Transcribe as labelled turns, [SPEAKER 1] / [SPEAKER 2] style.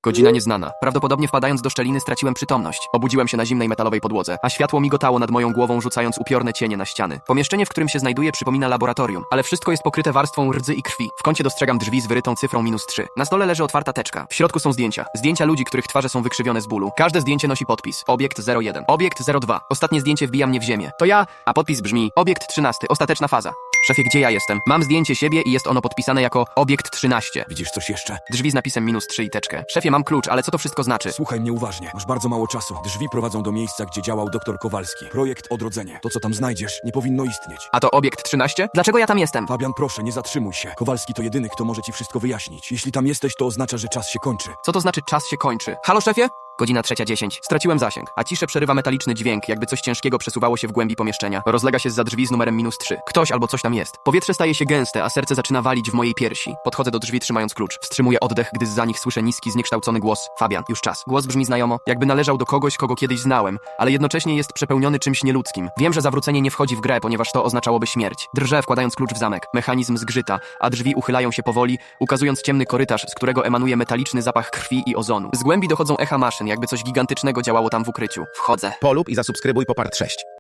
[SPEAKER 1] Godzina nieznana. Prawdopodobnie wpadając do szczeliny straciłem przytomność. Obudziłem się na zimnej metalowej podłodze, a światło migotało nad moją głową, rzucając upiorne cienie na ściany. Pomieszczenie, w którym się znajduję, przypomina laboratorium, ale wszystko jest pokryte warstwą rdzy i krwi. W kącie dostrzegam drzwi z wyrytą cyfrą -3. Na stole leży otwarta teczka. W środku są zdjęcia. Zdjęcia ludzi, których twarze są wykrzywione z bólu. Każde zdjęcie nosi podpis. Obiekt 01. Obiekt 02. Ostatnie zdjęcie wbija mnie w ziemię. To ja, a podpis brzmi Obiekt 13. Ostateczna faza. Szefie, gdzie ja jestem? Mam zdjęcie siebie i jest ono podpisane jako Obiekt 13.
[SPEAKER 2] Widzisz coś jeszcze?
[SPEAKER 1] Drzwi z napisem -3 i teczkę. Szefie, mam klucz, ale co to wszystko znaczy?
[SPEAKER 2] Słuchaj mnie uważnie. Masz bardzo mało czasu. Drzwi prowadzą do miejsca, gdzie działał dr Kowalski. Projekt Odrodzenie. To, co tam znajdziesz, nie powinno istnieć.
[SPEAKER 1] A to Obiekt 13? Dlaczego ja tam jestem?
[SPEAKER 2] Fabian, proszę, nie zatrzymuj się. Kowalski to jedyny, kto może ci wszystko wyjaśnić. Jeśli tam jesteś, to oznacza, że czas się kończy.
[SPEAKER 1] Co to znaczy czas się kończy? Halo, szefie? Godzina 3:10. Straciłem zasięg, a ciszę przerywa metaliczny dźwięk, jakby coś ciężkiego przesuwało się w głębi pomieszczenia. Rozlega się zza drzwi z numerem -3. Ktoś albo coś tam jest. Powietrze staje się gęste, a serce zaczyna walić w mojej piersi. Podchodzę do drzwi, trzymając klucz. Wstrzymuję oddech, gdy zza nich słyszę niski, zniekształcony głos. Fabian, już czas. Głos brzmi znajomo, jakby należał do kogoś, kogo kiedyś znałem, ale jednocześnie jest przepełniony czymś nieludzkim. Wiem, że zawrócenie nie wchodzi w grę, ponieważ to oznaczałoby śmierć. Drżę, wkładając klucz w zamek. Mechanizm zgrzyta, a drzwi uchylają się powoli, ukazując ciemny korytarz, z którego emanuje metaliczny zapach krwi i ozonu. Z głębi dochodzą echa maszyn, jakby coś gigantycznego działało tam w ukryciu. Wchodzę.
[SPEAKER 3] Polub i zasubskrybuj Popart 6.